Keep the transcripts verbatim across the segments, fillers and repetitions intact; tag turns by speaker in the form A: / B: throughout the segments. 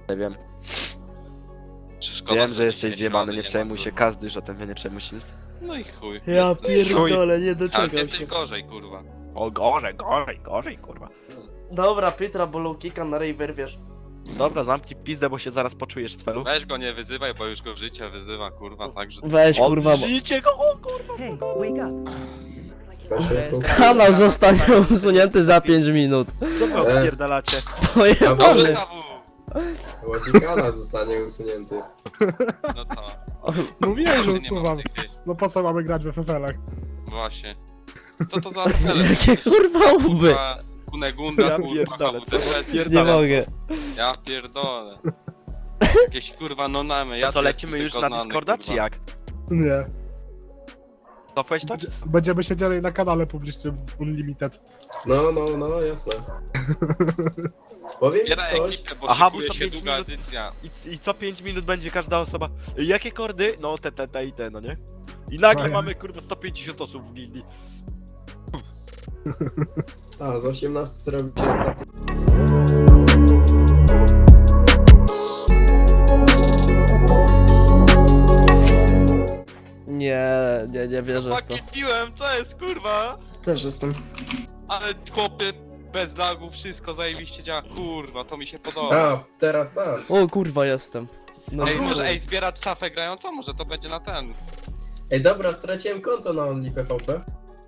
A: Nie wiem.
B: Szkoda,
A: Wiem, że
B: dzisiaj
A: jesteś zjebany,
B: środy
A: nie
B: ma,
A: przejmuj się,
B: kurwa.
A: każdy już o tym wie, nie przejmuj się nic.
B: No i chuj.
C: Ja pierdolę, nie
B: Ale
C: doczekam
B: jesteś
C: się.
B: gorzej, kurwa.
A: O, gorzej, gorzej, gorzej, kurwa.
C: Dobra, Pytra, bo low kicka na rej wyrwiesz.
A: Dobra, zamknij pizdę, bo się zaraz poczujesz z felu.
B: Weź go nie wyzywaj, bo już go życie wyzywa, kurwa, także...
C: Weź, kurwa, bo...
A: Żyjcie go, o kurwa.
D: Hey, wake up!
C: Kanał zostanie usunięty za pięć minut.
A: Co wy odpierdalacie?
B: Dobrze,
C: Pojebany.
B: Sawu!
E: Ładzikana zostanie usunięty.
B: No co?
F: Mówiłem, że
B: Nie
F: usuwam.
B: mam tych, ty.
F: No po co mamy grać w F F L-ach?
B: Właśnie. Co to za apele?
C: Jakie kurwa łby.
B: Kurwa, Kunegunda,
A: Ja
B: kurwa,
A: pierdolę, co
B: H W D,
A: wy
C: Nie
A: pierdalacie?
C: mogę.
B: Ja pierdolę. Jakieś kurwa nonamy, ja
A: A co,
B: też
A: lecimy już
B: tylko
A: na
B: znany,
A: Discorda,
B: kurwa.
A: czy jak?
F: Nie.
A: Cofłeś to, czy co?
F: Będziemy siedzieli na kanale publicznym Unlimited.
E: No, no, no, jasne. Powiem ci
B: Zbieraj
E: coś.
B: ekipę, bo
A: Aha,
B: szykuje
A: bo co
B: się
A: pięć
B: długa
A: minut-
B: edycja.
A: I, I co pięć minut będzie każda osoba. Jakie kordy? No te, te, te i te, no nie? I nagle
F: No ja-
A: mamy kurwa sto pięćdziesiąt osób w gildii.
E: A, z osiemnastu zrobić się sto...
C: Nie, nie, nie wierzę w to.
B: Chłopaki, piłem, co jest kurwa?
C: Też jestem.
B: Ale chłopie, bez lagów, wszystko zajebiście działa, kurwa, to mi się podoba.
E: A, teraz tak.
C: O kurwa, jestem. No
B: Ej,
C: kurwa.
B: może ej, zbierać szafę grającą? Może to będzie na ten.
E: Ej, dobra, straciłem konto na OnlyPVP.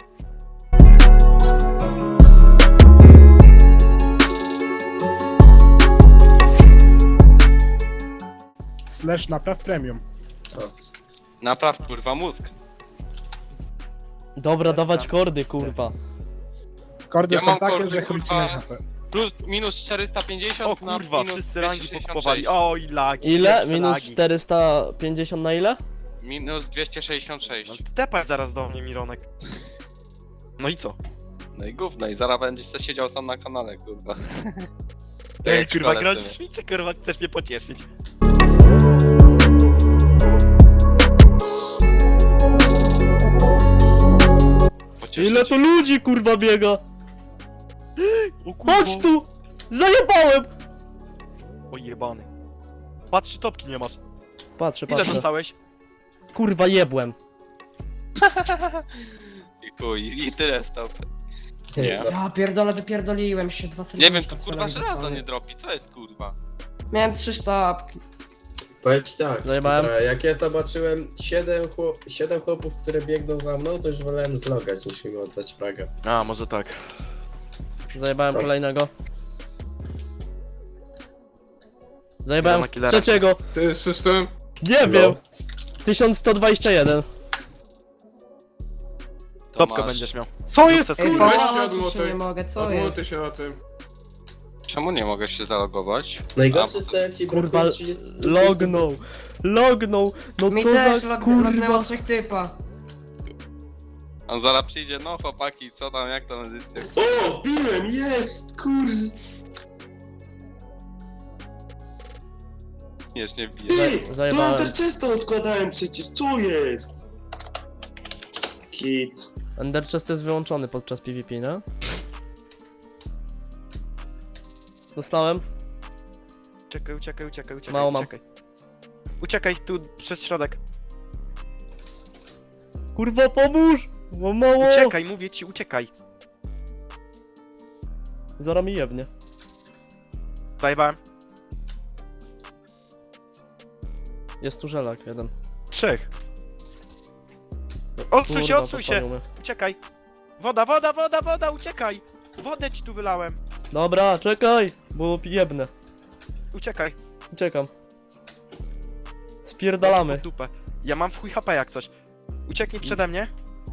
F: Slash napraw premium.
B: Napraw kurwa mózg.
C: Dobra, dawać kordy, kurwa.
F: Kordy
B: Ja
F: są
B: mam
F: takie,
B: kordy,
F: że
B: kurwa.
F: chwycimy H P.
B: Plus, minus czterysta pięćdziesiąt
A: O
B: na
A: kurwa,
B: minus
A: wszyscy rangi
B: dwieście sześćdziesiąt
A: pokupowali.
B: sześć.
A: O i lagi.
C: Ile?
A: pierwsze
C: Minus
A: lagi.
C: czterysta pięćdziesiąt na ile?
B: Minus dwieście sześćdziesiąt sześć.
A: No tepaj zaraz do mnie, Mironek. No i co?
B: No i gówno, i zaraz będziesz se siedział sam na kanale, kurwa.
A: Ej, kurwa,
B: Szkoda
A: grozisz
B: tyle.
A: mi, czy kurwa chcesz mnie pocieszyć?
B: Pocieszyć.
C: Ile to ludzi, kurwa, biega?
A: O kurwa.
C: Chodź tu! Zajebałem!
A: O jebany. Patrz, czy topki nie masz.
C: Patrzę,
A: Ile
C: patrzę.
A: dostałeś?
C: Kurwa, jebłem.
B: I chuj, i tyle stop. Nie.
G: Ja pierdolę, wypierdoliłem się dwa
B: Nie wiem, to kurwa żelazo nie dropi, co jest kurwa?
G: Miałem trzy sztabki.
E: Powiem ci tak,
C: Zajebałem.
E: Piotra, jak ja zobaczyłem siedem chłop, siedem chłopów, które biegną za mną, to już wolałem zlogać niż im oddać fraga.
A: A, może tak.
C: Zajebałem
E: Tak.
C: kolejnego. Zajebałem
A: Killera na killera.
C: trzeciego.
H: Ty, system?
C: Nie
E: No.
C: wiem. tysiąc sto dwadzieścia jeden.
A: Topkę
B: masz.
A: będziesz miał.
H: Co jest,
A: Sukces,
G: Ej,
A: kurwa.
H: Weź się
G: połamać się
H: odmutuj.
G: nie mogę, co
H: Odmutuj
G: jest?
H: się na tym.
B: Czemu nie mogę się zalogować?
E: Najgorsze
B: A,
E: jest to, jak ci
C: Kurwa,
E: brakuje trzydzieści
C: lognął. Lognął. No
G: Mi
C: co
G: też
C: za
G: log-
C: kurwa.
G: lognęło trzech typa.
B: On zaraz przyjdzie, no chłopaki, co tam, jak tam edycja?
H: O, biłem, jest, kurde.
B: Nie, nie wbije.
C: Za- Zajebałem.
H: często odkładałem przecież, co jest? Kit.
C: Ender chest jest wyłączony podczas PvP, nie? Dostałem.
A: Uciekaj, uciekaj, uciekaj, uciekaj.
C: Mało mam.
A: Uciekaj. Uciekaj tu przez środek.
C: Kurwa, pomóż! Bo mało.
A: Uciekaj, mówię ci, uciekaj.
C: Zaraz mi jebnie.
A: Zajebałem.
C: Jest tu żelak jeden.
A: Trzech. Odsuń się,
C: Kurwa,
A: odsuń się.
C: podpalił mnie.
A: Uciekaj. Woda, woda, woda, woda, uciekaj. Wodę ci tu wylałem.
C: Dobra, czekaj, bo jebnę.
A: Uciekaj.
C: Uciekam. Spierdalamy.
A: Pod dupę. Ja mam w chuj H P jak coś. Ucieknij przede mnie.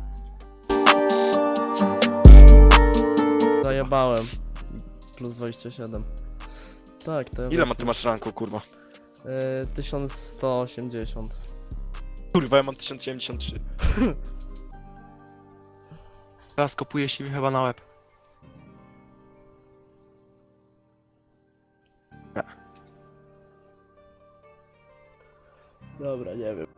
C: Zajebałem. Plus dwadzieścia siedem. Tak, to ja
A: Ile ma ty masz ranku, kurwa?
C: Yy, tysiąc sto osiemdziesiąt.
A: Kurwa, ja mam tysiąc siedemdziesiąt trzy. Teraz kopuje się mi chyba na łeb.
C: Dobra, nie wiem.